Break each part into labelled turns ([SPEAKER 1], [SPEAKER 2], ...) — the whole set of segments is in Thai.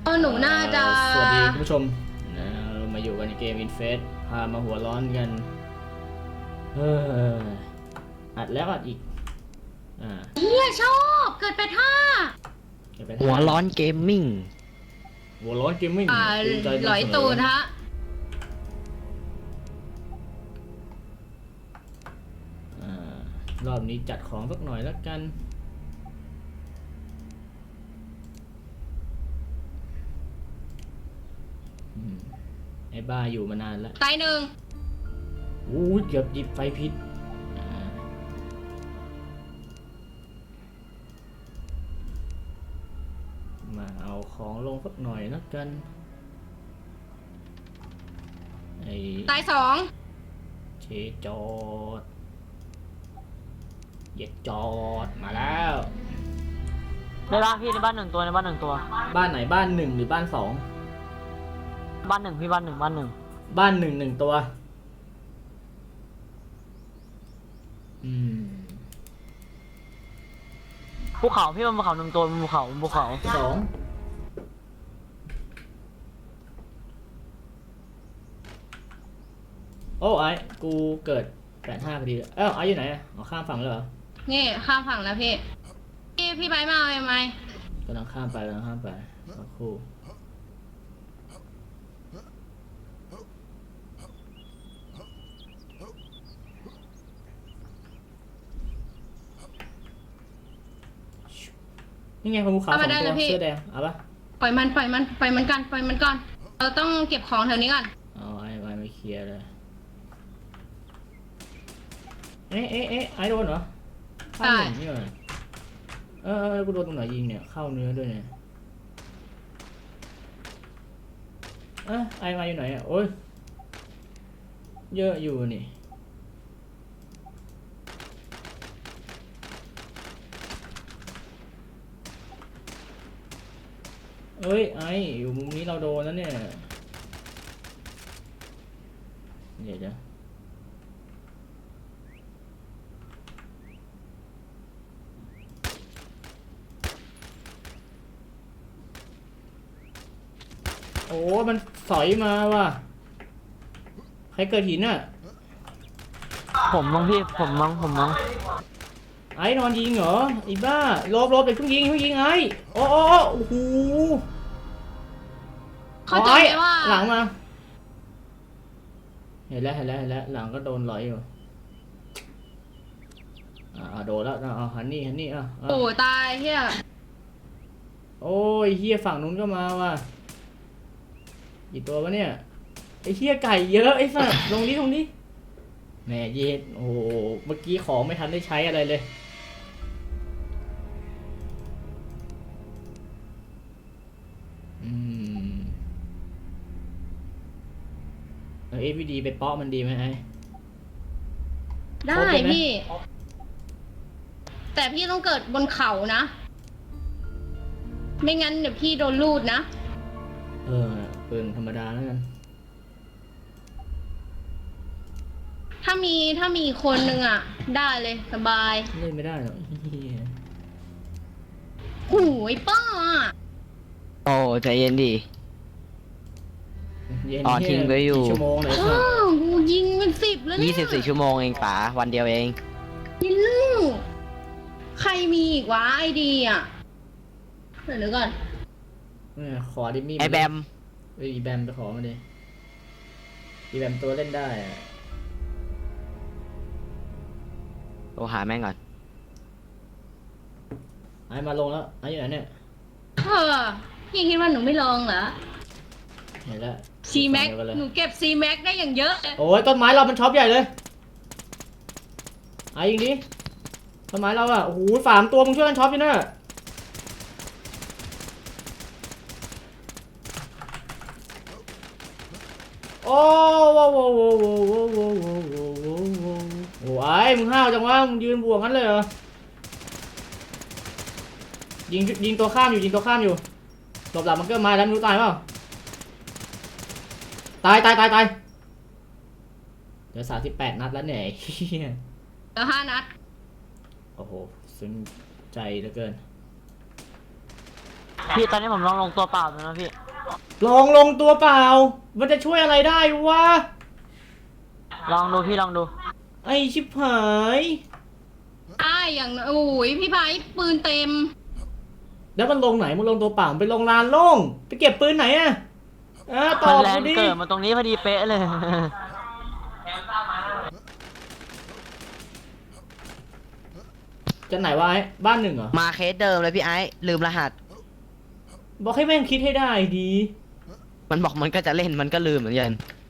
[SPEAKER 1] หนูน่าจะ
[SPEAKER 2] สวัสดีคุณผู้ชมนะเรามาอยู่กันในเกม Infest พามาหัวร้อนกันอัดแล้วอัดอีก
[SPEAKER 1] เฮียชอบเกิดไปท่า
[SPEAKER 3] หัวร้อนเกมมิ่ง
[SPEAKER 2] หัวร้อนเกมมิ่ง
[SPEAKER 1] หลอยตูนฮะ
[SPEAKER 2] รอบนี้จัดของสักหน่อยแล้วกันไอ้บ้าอยู่มานานแล้ว
[SPEAKER 1] ตายหนึ่ง
[SPEAKER 2] เกือบหยิบไฟพิษมาเอาของลงสักหน่อยแล้วกัน
[SPEAKER 1] ตายสอง
[SPEAKER 2] เชจอดเหยียดจอดมาแล้ว
[SPEAKER 3] ในบ้านพี่ในบ้านหนึ่งตัวในบ้านหนึ่งตัว
[SPEAKER 2] บ้านไหนบ้านหนึ่งหรือบ้านสอง
[SPEAKER 3] บ้านหนึ่งพี่บ้านหนึ่งบ้านหนึ่ง
[SPEAKER 2] บ้านหนึ่งหนึ่งตัว
[SPEAKER 3] ภูเขาพี่บนภูเขาหนึ่งตัวบนภูเขา
[SPEAKER 2] สองโอ้ไอ้กูเกิด85พอดีไอ้อยู่ไหนข้ามฝั่งเลยเหรอ
[SPEAKER 1] นี่ข้ามฝั่งแล้วพี่ไปมาเอาไหม
[SPEAKER 2] กำลังข้ามไปสักครู่นี่ไงคนภูเขา2 ตัวเสื้อแดงเอาปะ
[SPEAKER 1] ปล่อยมันก่อนเราต้องเก็บของแถวนี้ก่อน
[SPEAKER 2] ไอ้ไม่เคลียร์เลยไอ้โดนเหรอใช่นี่เหรอกูโดนตรงไหนยิงเนี่ยเข้าเนื้อด้วยเนี่ยไอ้มาอยู่ไหนโอ้ยเยอะอยู่นี่ไอ้อยู่มุมนี้เราโดนแล้วเนี่ยเดี๋ยวโอ้มันสอยมาว่ะใครเกิดหิน
[SPEAKER 3] ผมมั้งพี่ผมมั้ง
[SPEAKER 2] ไอ้นอนยิงเหรอไอ้บ้าลบเดี๋ยวเพิ่งยิงไอ้โอ้โห
[SPEAKER 1] เขาใจว่า
[SPEAKER 2] หลังมาเห็นแล้วหลังก็โดนลอยอยู่โดนแล้วหันนี่
[SPEAKER 1] โอ้ตายเฮีย
[SPEAKER 2] โอ้ยเฮียฝั่งนู้นก็มาว่ะกี่ตัววะเนี่ยไอ้เฮียไก่เยอะไอ้สัสลงนี้แหมเย็ดโอ้เมื่อกี้ของไม่ทันได้ใช้อะไรเลยFVD ไปเปาะมันดีไหม
[SPEAKER 1] ได้พี่แต่พี่ต้องเกิดบนเขานะไม่งั้นเดี๋ยวพี่โดนลูดนะ
[SPEAKER 2] ปืนธรรมดาแล้วกัน
[SPEAKER 1] ถ้ามีคนหนึ่งได้เลยสบาย
[SPEAKER 2] เล่นไม่ได้หรอก
[SPEAKER 1] หูยป้า
[SPEAKER 3] โอ้ใจเย็นดิทิ้งไว้อยู่
[SPEAKER 2] ชั่วโมงเลย
[SPEAKER 1] กูยิงเป็น10แล้วเนี่ย
[SPEAKER 3] 24 ชั่วโมงเองป๋าวันเดียวเอง
[SPEAKER 1] ยิงลูกใครมีอีกวะไอดีเดี๋ยวก่อน
[SPEAKER 2] ขอดิมี่
[SPEAKER 3] ไอแบม
[SPEAKER 2] อีแบมไปขอมาดิอีแบมตัวเล่นได้
[SPEAKER 3] โทรหาแม่งก่อน
[SPEAKER 2] ไอมาลงแล้วไออยู่ไหนเนี่ย
[SPEAKER 1] พี่คิดว่าหนูไม่ลองเหรอ
[SPEAKER 2] เห็นแล้ว
[SPEAKER 1] ซีแม็กหนูเก็บซีแม็กได้อย่างเยอะ
[SPEAKER 2] โอ้ยต้นไม้เรามันช็อปใหญ่เลยไอ้ยิงดิต้นไม้เราโอ้โห3 ตัวมึงช่วยกันช็อปอยู่นะโอ้โหไอ้มึงห้าวจังวะมึงยืนบวกงั้นเลยเหรอยิงตัวข้ามอยู่หลบหลับมันก็มาแล้วไม่รู้ตายเปล่าตายเหลือ38 นัดแล้วเนี่ย
[SPEAKER 1] เหลือ5 นัด
[SPEAKER 2] โอ้โหซึ้งใจเหลือเกิน
[SPEAKER 3] พี่ตอนนี้ผมลงตัวเปล่าเลยนะพี่
[SPEAKER 2] ลองลงตัวเปล่า มันจะช่วยอะไรได้วะ
[SPEAKER 3] ลองดูพี่ลองดู
[SPEAKER 2] ไอชิบหาย
[SPEAKER 1] อย่างโอ้ยพี่ไบร์ทปืนเต็ม
[SPEAKER 2] แล้วมันลงไหนมึงลงตัวเปล่าไปลงลานโล่งไปเก็บปืนไหนอะตอ
[SPEAKER 3] มัน
[SPEAKER 2] บ
[SPEAKER 3] แร
[SPEAKER 2] กู
[SPEAKER 3] ง
[SPEAKER 2] ดิ
[SPEAKER 3] เกิดมาตรงนี้พอดีเป๊ะเลย
[SPEAKER 2] จะไหนวะไอ้บ้านหนึ่งเหรอ
[SPEAKER 4] มาเคสเดิมเลยพี่ไอ้ลืมรหัส
[SPEAKER 2] บอกให้แม่งคิดให้ได้ดี
[SPEAKER 4] มันบอกมันก็จะเล่นมันก็ลืมเหมือนกัน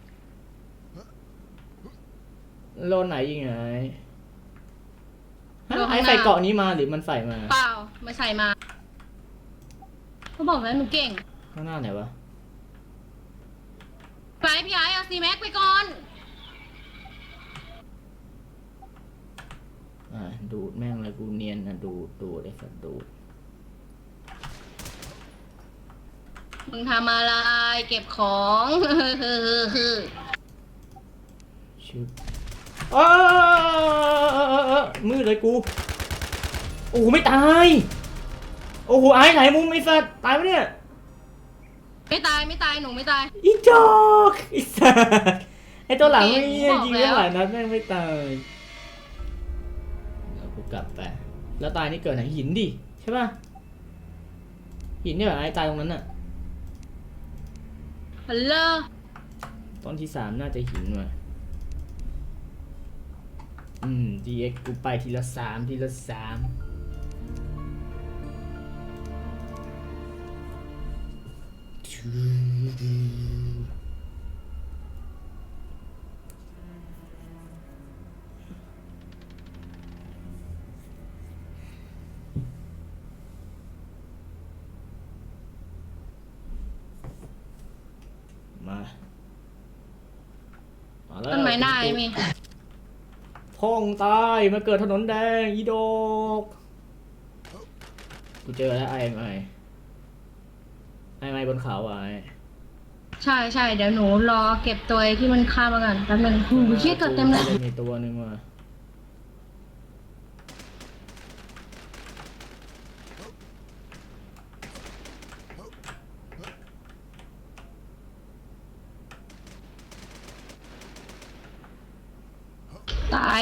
[SPEAKER 2] โลนไหนยิงไงฮะ
[SPEAKER 1] โลนข้างหน้า
[SPEAKER 2] ไอ้ใส่เกาะนี้มาหรือมันใส่มา
[SPEAKER 1] เปล่าไม่ใส่มาเขาบอกแล้วหนูเก่ง
[SPEAKER 2] ข้างหน้าไหนวะ
[SPEAKER 1] ไปพี่ไอ้เอาซีแม็กไปก่อน
[SPEAKER 2] ดูดแม่งเลยกูเนียนนะดูดไอ้สัตว์ดูด
[SPEAKER 1] มึงทำอะไรเก็บของ
[SPEAKER 2] ชุบมืดเลยกูโอ้โหไม่ตายโอ้โหไอ้ไหนมุมไอ้สัตว์ตายปะเนี่ย
[SPEAKER 1] ไม่ตายหนูไม่ตาย
[SPEAKER 2] อีจอกไอ้สัตว์ไอ้ตัวหลังไม่
[SPEAKER 1] บอก
[SPEAKER 2] ยิง
[SPEAKER 1] แล้ว
[SPEAKER 2] ได้หลายนัดแม่งไม่ตายแล้วกูกลับไปแล้วตายนี่เกิดไหนหินดิใช่ป่ะหินเนี่ยไอ้ตายตรงนั้นน่ะ
[SPEAKER 1] ฮัลโหล
[SPEAKER 2] ตอนที่3น่าจะหินว่ะDX กูไปทีละ3ทีละ3มาแล้ว
[SPEAKER 1] ต้นไม้หน้าไอ้มี
[SPEAKER 2] พ่องตายมาเกิดถนนแดงอีโดกกูเจอแล้วไอ้ไม่บนเขาอ่ะไอ้
[SPEAKER 1] ใช่เดี๋ยวหนูรอเก็บตัวที่มันฆ่ามาก่อนแป๊บนึงหูเชี่ยเกิดเต็มเลย
[SPEAKER 2] มีตัวหนึ่งว่ะ
[SPEAKER 1] ตาย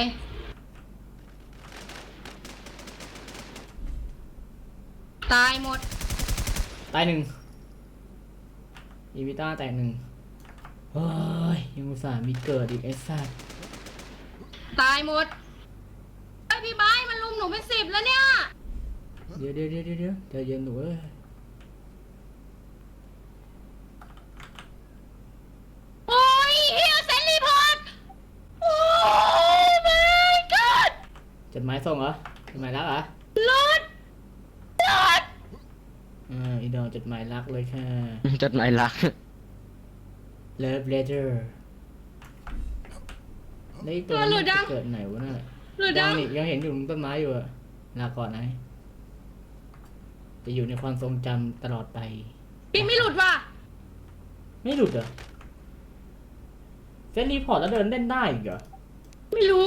[SPEAKER 1] หมด
[SPEAKER 2] ตาย1อีวิต้าแตก1เฮ้ยยังอุตส่าห์มีเกิดอีกไอ้สัส
[SPEAKER 1] ตายหมดไอพี่ไบร์ทมันลุมหนูเป็น10แล้วเนี่ย
[SPEAKER 2] เดี๋ยวใจเย็นหนูเอ้ย
[SPEAKER 1] โอ้ยเฮียเซนรีพอร์ตโอ้ my god
[SPEAKER 2] จดหมายส่งเหรอจดหมายรักเหรอ
[SPEAKER 1] รถ
[SPEAKER 2] อีดอกจดหมายรักเลยค่ะ
[SPEAKER 4] จดหมายรัก
[SPEAKER 2] Love letter แล้วอีกตัวนี้จะเกิดไหนวะน่ะ
[SPEAKER 1] หรือ
[SPEAKER 2] ยั
[SPEAKER 1] ดั
[SPEAKER 2] ง
[SPEAKER 1] ง
[SPEAKER 2] นี่ยังเห็นอยู่ตรงต้นไม้อยู่อะลาก่อนนะจะอยู่ในความทรงจำตลอดไป
[SPEAKER 1] พี่ไม่หลุดว่ะ
[SPEAKER 2] ไม่หลุดเหรอเซนรีพอร์ตแล้วเดินเล่นได้อีกเหรอ
[SPEAKER 1] ไม่รู้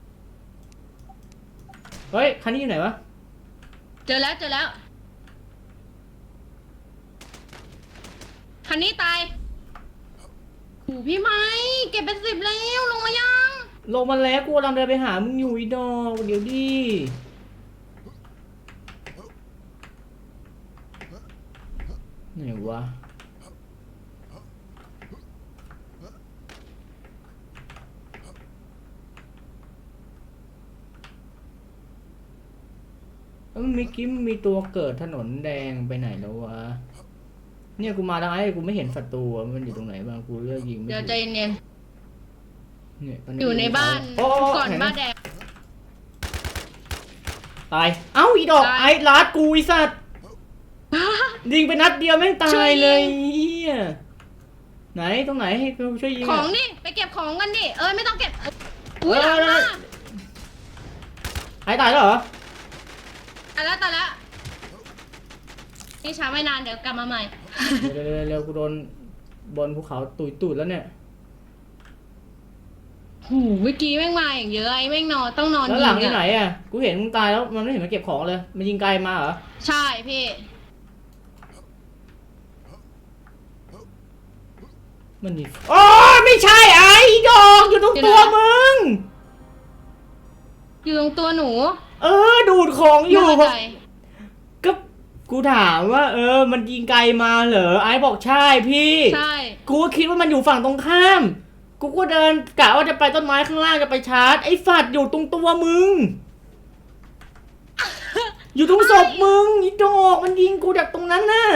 [SPEAKER 2] เฮ้ยคันนี้อยู่ไหนวะ
[SPEAKER 1] เจอแล้วคันนี้ตายโหพี่ไม้เก็บเป็น10แล้วลงมายัง
[SPEAKER 2] ลงมาแล้วกูกำลังเดินไปหามึงอยู่อีดอกเดี๋ยวดิไหนวะเมื่อกี้มีตัวเกิดถนนแดงไปไหนแล้ววะเนี่ยกูมาทางไหนกูไม่เห็นศัตรูอะมันอยู่ตรงไหนบ้างกูเลือกยิงไม่
[SPEAKER 1] เดี๋ยว
[SPEAKER 2] ถูก
[SPEAKER 1] ใจเย็น
[SPEAKER 2] เนี่ยต
[SPEAKER 1] อยู่ในบ้าน
[SPEAKER 2] โอ้
[SPEAKER 1] ก่อน
[SPEAKER 2] เห็ไหม
[SPEAKER 1] บ้านแดง
[SPEAKER 2] ตาย เอ้าอีดอก
[SPEAKER 1] ตาย
[SPEAKER 2] ไอ้ลาดกูไอ้สัตว์ยิงไปนัดเดียวแม่งตา
[SPEAKER 1] ช่วย
[SPEAKER 2] ย
[SPEAKER 1] ยิง
[SPEAKER 2] เลยเฮียไหนตรงไหนให้กูช่วยยิง
[SPEAKER 1] ของ
[SPEAKER 2] อะ
[SPEAKER 1] ดิไปเก็บของกันดิไม่ต้องเก็บอุ้ยหลังมา
[SPEAKER 2] หายตายแล้วเหรอ
[SPEAKER 1] ตายแล้วนี่ช้าไม่นานเดี๋ยวกลับมาใหม่
[SPEAKER 2] เร็วกูโดนบนภูเขาตุยตูดแล้วเนี่ย
[SPEAKER 1] หูเมื่อกี้แม่งมาอย่างเยอะไอ้แม่งนอนต้องนอน
[SPEAKER 2] แล้ว
[SPEAKER 1] ยิ
[SPEAKER 2] หลัง
[SPEAKER 1] ง
[SPEAKER 2] ที่ไหน
[SPEAKER 1] อ่ะ
[SPEAKER 2] อ่ะกูเห็นมึงตายแล้วมันไม่เห็นมาเก็บของเลยมันยิงไกลมาเหรอ
[SPEAKER 1] ใช่พี่
[SPEAKER 2] มันมีโอ้ไม่ใช่ไอ้ดอกอยู่ตรงตัวมึง
[SPEAKER 1] อยู่ตรงตัวหนู
[SPEAKER 2] ดูดของอยู่
[SPEAKER 1] ไม่เข้าใจ
[SPEAKER 2] ก็กูถามว่า มันยิงไกลมาเหรอไอ้บอกใช่พี่
[SPEAKER 1] ใช่
[SPEAKER 2] กูก็คิดว่ามันอยู่ฝั่งตรงข้าม กูก็เดินกะว่าจะไปต้นไม้ข้างล่างจะไปชาร์จไอ้ฝัดอยู่ตรงตัวมึง อยู่ตรงศพมึงไอ้ดอกมันยิงกูจากตรงนั้นน่ะ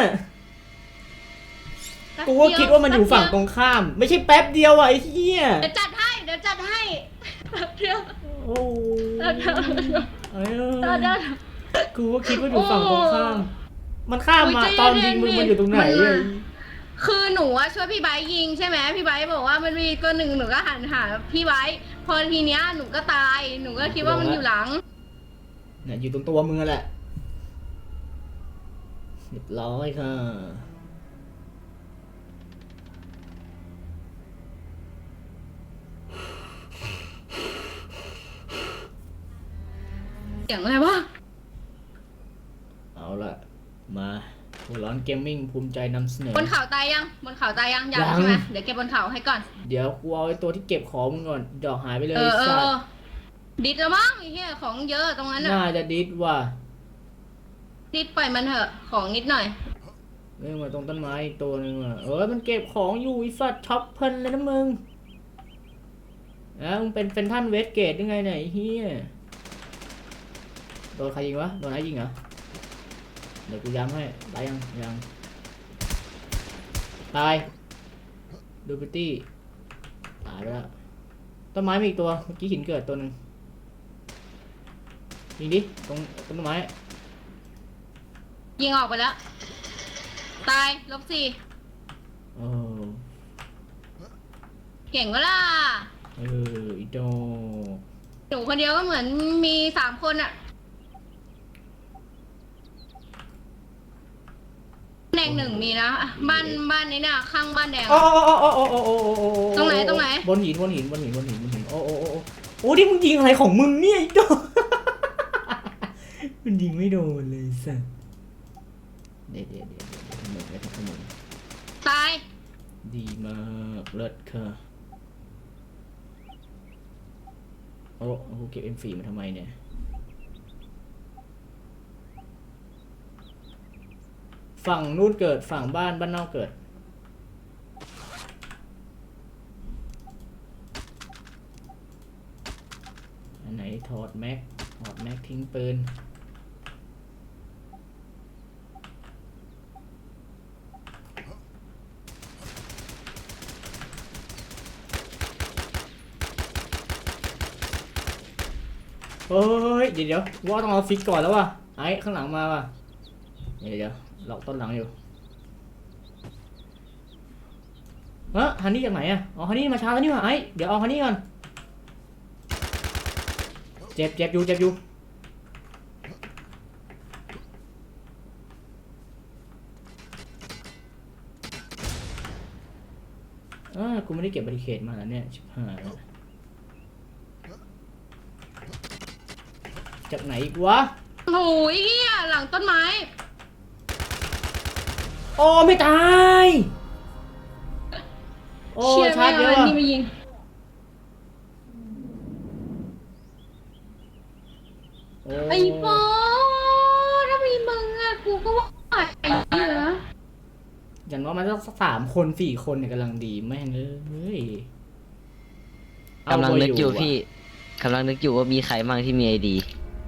[SPEAKER 2] กูก็คิดว่ามันอยู่ฝั่งตรงข้าม ไม่ใช่แป๊บเดียวอ่ะไอ้เหี้ย
[SPEAKER 1] เดี๋ยวจัดให้แป๊บเดียว
[SPEAKER 2] โอ้เอ้ย
[SPEAKER 1] เดี๋ยว
[SPEAKER 2] กูก็คิดว่าอยู่ฝั่งตรงข้าม มันข้ามมา
[SPEAKER 1] โอ้ยใจ
[SPEAKER 2] ตอน
[SPEAKER 1] เย็
[SPEAKER 2] ยิ
[SPEAKER 1] น
[SPEAKER 2] ง
[SPEAKER 1] ๆ
[SPEAKER 2] มึง
[SPEAKER 1] ดิ
[SPEAKER 2] มันอยู่ตรงไหน
[SPEAKER 1] มัน
[SPEAKER 2] เลย
[SPEAKER 1] คือหนูอะช่วยพี่ไบร์ทยิงใช่ไหมพี่ไบร์ทบอกว่ามันมีตัวหนึ่งหนูก็หันหาพี่ไบร์ทพอทีเนี้ยหนูก็ตายหนูก็คิดว่ามันอยู่หลัง
[SPEAKER 2] เนี่ยอยู่ตรงตัวมึงนั่นแหละเรียบร้อยค่ะ
[SPEAKER 1] เสียงอะไรวะ
[SPEAKER 2] เอาละมาหัวร้อนเกมมิ่งภูมิใจนำเสนอ
[SPEAKER 1] บนเขาตายยังบนเขาตายยังยัง
[SPEAKER 2] ยัง
[SPEAKER 1] ใช่ไหมเดี๋ยวเก็บบนเขาให้ก่อน
[SPEAKER 2] เดี๋ยวกูเอาไอ้ตัวที่เก็บของมึงก่อน ดอกหายไปเลย
[SPEAKER 1] เออ
[SPEAKER 2] สัตว์
[SPEAKER 1] ดิดแล้วมั้งไอ้เหี้ยของเยอะตรงนั้นอะ
[SPEAKER 2] น่าจะดิสว่ะ
[SPEAKER 1] ดิดปล่อยมันเถอะของนิดหน่อย
[SPEAKER 2] เรื่องมาตรงต้นไม้อีกตัวหนึงอ่ะมันเก็บของอยู่ไอ้สัตว์ช็อปเพลินเลยนะมึงมึงเป็นท่านเวสเกตยังไงเนี่ยไอ้เฮียโดนใครยิงวะโดนไอ้ยิงเหรอเดี๋ยวกูย้ำให้ตายยังตายดูพิตตี้ตายไปแล้วต้นไม้มีอีกตัวเมื่อกี้หินเกิดตัวหนึ่งยิงดิตรงต้นไม้
[SPEAKER 1] ยิงออกไปแล้ว ตาย-4
[SPEAKER 2] เออ
[SPEAKER 1] เก่งก็ล่ะ
[SPEAKER 2] อีโด
[SPEAKER 1] หนูคนเดียวก็เหมือนมี3 คนอะแดง1มีนะบ้านนี้น่ะข้างบ้านแดง
[SPEAKER 2] โอ้
[SPEAKER 1] ตรงไหน
[SPEAKER 2] บนหินโอ้ดิมึงยิงอะไรของมึงเนี่ยไอ้โด มันยิงไม่โดนเลยสัสเดี๋ยวขโมย
[SPEAKER 1] ตาย
[SPEAKER 2] ดีมากเลิศค่ะโอ้กูเก็บ M4 มาทำไมเนี่ยฝั่งนู้นเกิดฝั่งบ้านนอกเกิดอันไหนถอดแม็กทิ้งปืนเฮ้ยเดี๋ยวว่าต้องเอาฟิกก่อนแล้วว่ะไอ้ข้างหลังมาว่ะเดี๋ยวหลอกต้นหลังอยู่ฮันนี่จากไหนอ่ะอ๋อฮันนี่มาช้าแล้วนี่ว่ะไอ้เดี๋ยวเอาฮันนี่ก่อนเจ็บอยู่กูไม่ได้เก็บบาริเคดมาแล้วเนี่ยชิบหายแล้วจากไหนอีกวะ
[SPEAKER 1] โอ้ยเหี้ยหลังต้นไม้
[SPEAKER 2] โอ้ไม่ตายโอ้
[SPEAKER 1] เชี่ย
[SPEAKER 2] ชาร์จเยอะ
[SPEAKER 1] ไม่
[SPEAKER 2] ว่ะ
[SPEAKER 1] นี่มายิง
[SPEAKER 2] โอ้
[SPEAKER 1] ไอ้โฟถ้ามีมึงอะกูก็ว่าไอ้เหี้ย
[SPEAKER 2] อย่างน้อยมันต้อง3 คน4 คนเนี่ยกำลังดีแม่งเอ้ย
[SPEAKER 4] กำลังนึกอยู่
[SPEAKER 2] เาไว้
[SPEAKER 4] พี่กำลังนึกอยู่ว่ามีใครบ้างที่มีไอดี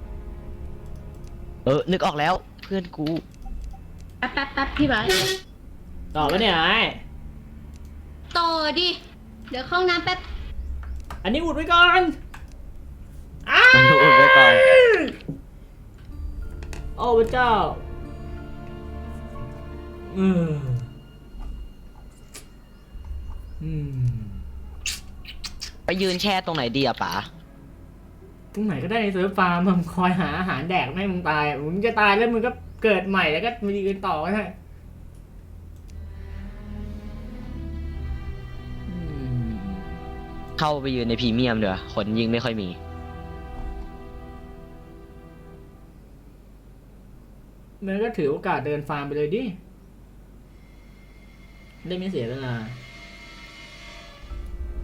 [SPEAKER 4] นึกออกแล้วเพื่อนกู
[SPEAKER 1] แป๊บพี่ไบร์ท
[SPEAKER 2] ต่อปะเนี่ยไอ้
[SPEAKER 1] ต่อดิ เดี๋ยวเข้าห้องน้ำแป๊บ
[SPEAKER 2] อันนี้อุดไว้ก่อน
[SPEAKER 4] มันดูอุดไว้ก่อน
[SPEAKER 2] โอ้พระเจ้าอืม
[SPEAKER 4] ไปยืนแช่ตรงไหนดีอะป๋า
[SPEAKER 2] ตรงไหนก็ได้ในเซิร์ฟฟาร์มมึงคอยหาอาหารแดกไม่ให้มึงตายอะมึงจะตายแล้วมึงก็เกิดใหม่แล้วก็มาดีกันต่อก็ได้อืม
[SPEAKER 4] เข้าไปยืนในพรีเมียมเดี๋ยวคนยิงไม่ค่อยมี
[SPEAKER 2] มันก็ถือโอกาสเดินฟาร์มไปเลยดิได้ไม่เสียเวลา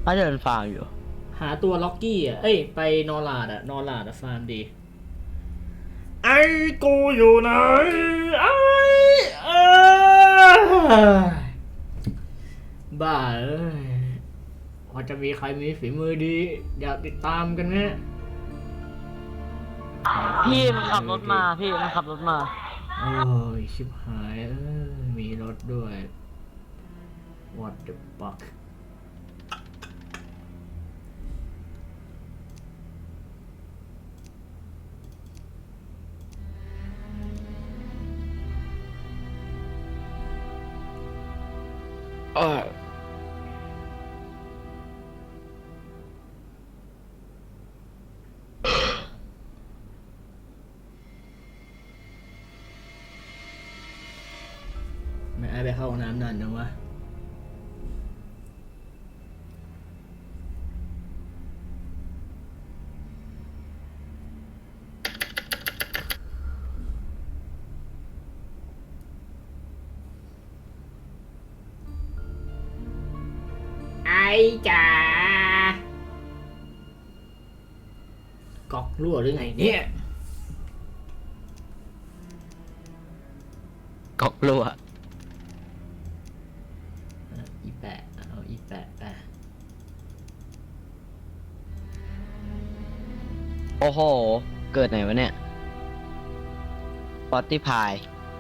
[SPEAKER 3] ถ้าเดินฟาร์มอยู่
[SPEAKER 2] หาตัวล็อกกี้อ่ะ เอ้ย ไปนอร์ลาดอ่ะ นอร์ลาดอ่ะฟาร์มดี ไอ้กูอยู่ไหนไอ้เอ้ยบ้าเอ้ยพอจะมีใครมีฝีมือดี อยากติดตามกันไหม
[SPEAKER 3] พี่มันขับรถมาพี่มันขับรถมา
[SPEAKER 2] โอ้ย ชิบหายเอ้ยมีรถด้วย What the fuck ไม่ไอ้ไปเข้าห้องน้ำนานจังวะไอ้จ๋ากอกรั่วหรือไงเนี่ย
[SPEAKER 4] ก๊อกรั่ว
[SPEAKER 2] อีแปะเอาอีแปะไป
[SPEAKER 4] โอ้โห เกิดไหนวะเนี่ยปอตตี้พาย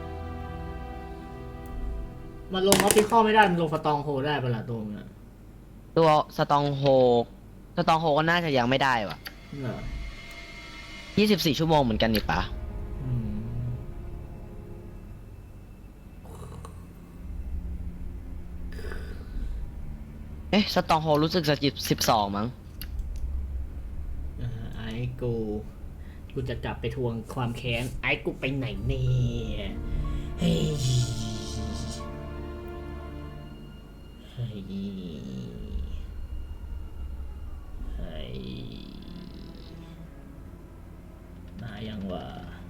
[SPEAKER 2] มันลงออฟฟิคอลไม่ได้ มันลงสตองโฮได้ปะล่ะตัวมึงอ่ะ
[SPEAKER 4] ตัวสตองโฮก็น่าจะยังไม่ได้วะ
[SPEAKER 2] เหรอ
[SPEAKER 4] 24 ชั่วโมงเหมือนกันนี่ปะ
[SPEAKER 2] อืม
[SPEAKER 4] เอ๊ะ สตองโฮรู้สึกจะ12มั้ง
[SPEAKER 2] ไอ้กูจะกลับไปทวงความแค้น ไอ้กูไปไหนเนี่ยเฮ้ยเฮ้ยเฮ้ยมายังวะ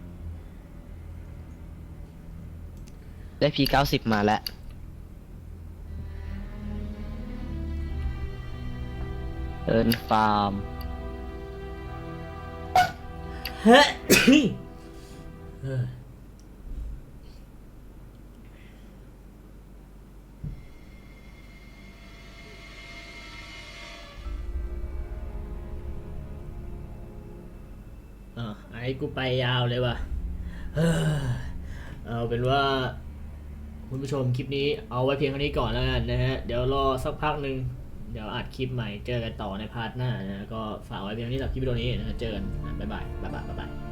[SPEAKER 4] ได้ P90 มาแล้ว เดินฟาร์ม
[SPEAKER 2] เฮ้ยเฮ้ยไอ้กูไปยาวเลยว่ะเฮ้ยเอาเป็นว่า คุณผู้ชมคลิปนี้เอาไว้เพียงเท่านี้ก่อนแล้วกันนะฮะ เดี๋ยวรอสักพักหนึ่งเดี๋ยวอัดคลิปใหม่เจอกันต่อในพาร์ทหน้านะก็ฝากไว้เพียงเท่านี้สำหรับคลิปวิดีโอนี้นะเจอกันบ๊ายบาย